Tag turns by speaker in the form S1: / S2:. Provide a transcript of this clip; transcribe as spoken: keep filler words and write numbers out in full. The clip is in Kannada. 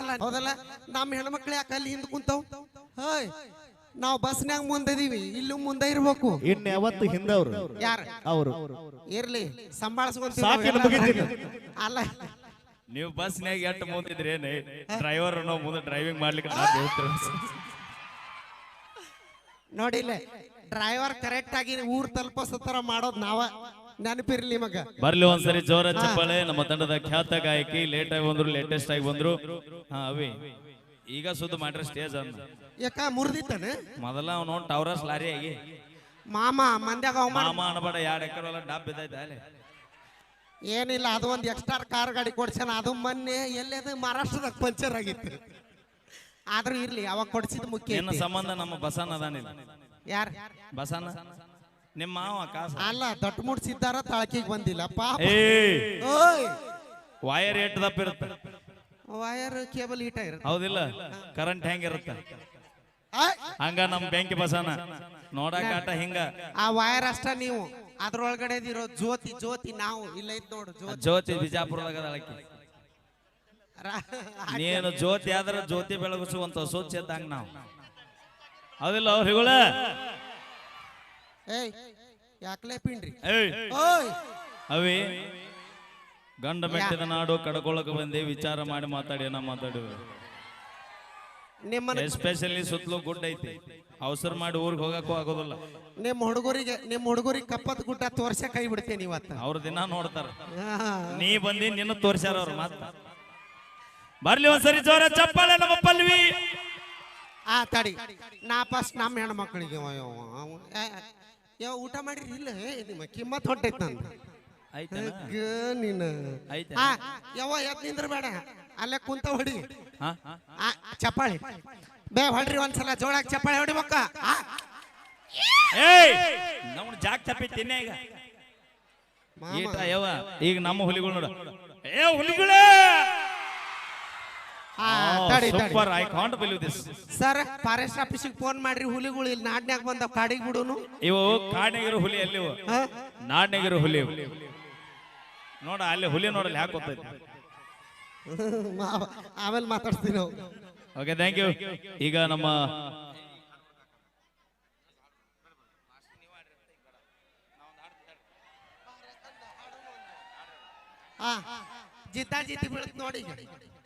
S1: ಅಲ್ಲ ಹೌದಲ್ಲ ನಮ್ಮ ಹೆಣ್ಮಕ್ಳು ಯಾಕೆ ಅಲ್ಲಿ ಹಿಂದ್ ಕುಂತಾವ್ ಹೋಯ್ ನಾವು ಬಸ್ನ್ಯಾಗ ಮುಂದಿದೀವಿ ಇಲ್ಲೂ ಮುಂದೆ ಇರ್ಬೇಕು
S2: ಇನ್ನು ಯಾವತ್ತು ಹಿಂದವ್ರು
S1: ಯಾರು
S2: ಅವರು
S1: ಇರ್ಲಿ ಸಂಭಾಳಿಸ್ಕೊಂತೀವಿ ಅಲ್ಲ
S3: ನೀವು ಬಸ್ನ್ಯಾಗ ಎಷ್ಟು ಮುಂದಿದ್ರೇನೆ ಡ್ರೈವರ್ ನಾವು ಮುಂದೆ ಡ್ರೈವಿಂಗ್ ಮಾಡ್ಲಿಕ್ಕೆ
S1: ನೋಡಿಲ್ಲ ಡ್ರೈವರ್ ಕರೆಕ್ಟ್ ಆಗಿ ಊರ್ ತಲುಪಿಸೋ ಮಾಡೋದು ನಾವ ನೆನಪಿರ್ಲಿ ಮಗ
S3: ಬರ್ಲಿ ಒಂದ್ಸರಿ ಜೋರ ಚಪ್ಪಾಳೆ ನಮ್ಮ ತಂಡದ ಖ್ಯಾತ ಗಾಯಕಿ ಲೇಟ್ ಆಗಿ ಬಂದ್ರು ಲೇಟೆಸ್ಟ್ ಆಗಿ ಬಂದ್ರು ಹಾ ಅವಿ ಈಗ ಸುದ್ದ ಮಾಡ್ರಿ ಸ್ಟೇಜ್ ಅಂತ
S1: ಯಾಕ ಮುರಿದಿತ್ತಾನೆ
S3: ಮೊದಲ ಅವ್ನು ಟವರಸ್ ಲಾರಿ ಆಗಿ
S1: ಮಾಮ ಮಂದ್ಯಾಗ
S3: ಮಾಮ ಅನ್ಬೇಡ ಎರಡು ಎಕರೆ ಡಬ್ ಬಿದ್ದೈತೆ ಅಲ್ಲಿ
S1: ಏನಿಲ್ಲ ಅದು ಒಂದು ಎಕ್ಸ್ಟ್ರಾ ಕಾರ್ ಗಾಡಿ ಕೊಡ್ಸಾನ ಅದು ಮೊನ್ನೆ ಎಲ್ಲದು ಮಹಾರಾಷ್ಟ್ರದಾಗ ಪಂಚರ್ ಆಗಿತ್ತು ಆದ್ರೂ ಇರ್ಲಿ ಅವಾಗ ಕೊಡ್ಸಿದ್ ಮುಖ್ಯ
S3: ಏನು ಸಂಬಂಧ ನಮ್ಮ ಬಸನ ಅದಾನಿಲ್ಲ
S1: ಯಾರ
S3: ಬಸನ ನಿಮ್ಮ ಮಾವ ಕಾಸ
S1: ಅಲ್ಲ ದೊಡ್ಡ ಮುಡ್ಸಿದ್ದಾರ ತಳಕಿಗೆ ಬಂದಿಲ್ಲ ಪಾಪ
S3: ಓಯ್ ವೈರ್ ಏಟ್ ದಪ್ಪ ಇರುತ್ತೆ
S1: ವೈರ್ ಕೇಬಲ್ ಹೀಟ್ ಆಗಿರುತ್ತೆ
S3: ಹೌದಿಲ್ಲ ಕರೆಂಟ್ ಹೆಂಗಿರುತ್ತೆ ಹಂಗ ನಮ್ ಬೆಂಕಿ ಬಸನ ನೋಡಕಾಟ ಹಿಂಗ
S1: ಆ ವೈರ್ ಅಷ್ಟ ನೀವು ಅದ್ರೊಳಗಡೆ ಇರೋ ಜ್ಯೋತಿ ಜ್ಯೋತಿ ನಾವು ಇಲ್ಲ ಇದ್ ನೋಡು ಜ್ಯೋತಿ
S3: ಜ್ಯೋತಿ ಬಿಜಾಪುರದಾಗ ಅಳಕಿ ನೀನು ಜ್ಯೋತಿ ಆದ್ರ ಜ್ಯೋತಿ ಬೆಳಗಿಸುವಂತ ಸ್ವಚ್ಛದಂಗ ನಾವು ಹೌದಿಲ್ಲ ಅವ್ರಿಗಳ
S1: ಏಯ್ ಯಾಕಲೇ ಪಿಂಡ್ರಿ
S3: ಓಯ್ ಅವಿ ಗಂಡ ಮೆಟ್ಟಿದ ನಾಡು ಕಡ್ಕೊಳಕ್ ಬಂದಿ ವಿಚಾರ ಮಾಡಿ ಮಾತಾಡಿ ನಾ ಮಾತಾಡಿವಿ
S1: ನಿಮ್ಮ
S3: ಎಸ್ಪೆಷಲಿ ಸುತ್ತಲೂ ಗುಡ್ಡ ಐತಿ ಅವಸರ ಮಾಡಿ ಊರಿಗೆ ಹೋಗಕ್ಕೂ ಆಗೋದಿಲ್ಲ
S1: ನಿಮ್ಮ ಹುಡುಗರಿಗೆ ನಿಮ್ಮ ಹುಡುಗರಿಗೆ ಕಪ್ಪತ್ ಗುಡ್ಡ ತೋರ್ಸ ಕೈ ಬಿಡ್ತೇನೆ ಇವತ್ತ
S3: ಅವ್ರ ದಿನ ನೋಡ್ತಾರ ನೀ ಬಂದಿ ನಿನ್ನ ತೋರ್ಸ್ಯಾರ ಅವ್ರ ಮಾತ ಬರ್ಲಿ ಒಂದ್ಸರಿ ಜೋರ ಚಪ್ಪಾಳೆ ನಮ್ಮ ಪಲ್ವಿ
S1: ಆ ತಡಿ ನಾ ಫಸ್ಟ್ ನಮ್ಮ ಹೆಣ್ಮಕ್ಳಿಗೆ ಯಾವ ಊಟ ಮಾಡಿರಿ ಇಲ್ಲ ನಿಮ್ಮ ಕಿಮ್ಮತ್ ಹೊಂಟೈತ್ ನಂದು ನೀನು ಯಾವ ಎದ್ ನಿಂದ್ರ ಬೇಡ ಅಲ್ಲೇ ಕುಂತ ಹೊಡಿ ಚಪ್ಪಾಳಿ ಬೇ ಹೊಡ್ರಿ ಒಂದ್ಸಲ ಜೋಳಾಗ ಚಪ್ಪಾಳಿ ಹೊಡಿ ಮಕ್ಕ
S3: ನಾವು ಜಾಕ್ ಚಪ್ಪಿ ತಿನ್ನೆ ಈಗ ಈಟ ಯಾವ ಈಗ ನಮ್ಮ ಹುಲಿಗಳು ನೋಡ ಏ ಹುಲಿಗಳೇ super I can't believe this
S1: sir forest ಆಫೀಸಿಗೆ ಫೋನ್ ಮಾಡ್ರಿ ಹುಲಿಗಳು ಇಲ್ಲಿ ನಾಡ್ನ್ಯಾಗ ಬಂದವ್ ಕಾಡಿಗೆ ಬಿಡುನು
S3: ಇವು ಕಾಡ್ನಾಗಿರೋ ಹುಲಿ ಅಲ್ಲಿ ನಾಡ್ನಾಗಿರೋ ಹುಲಿ ನೋಡ ಅಲ್ಲಿ ಹುಲಿ ನೋಡಲ್ಲಿ ಯಾಕೆ ಗೊತ್ತೈತಿ
S1: ಆಮೇಲೆ ಮಾತಾಡ್ತೀವಿ ನಾವು
S3: ಓಕೆ ಥ್ಯಾಂಕ್ ಯು ಈಗ ನಮ್ಮ
S1: ಜಿದ್ದ ಜಿದ್ದಿ ಬೀಳತ್ ನೋಡಿ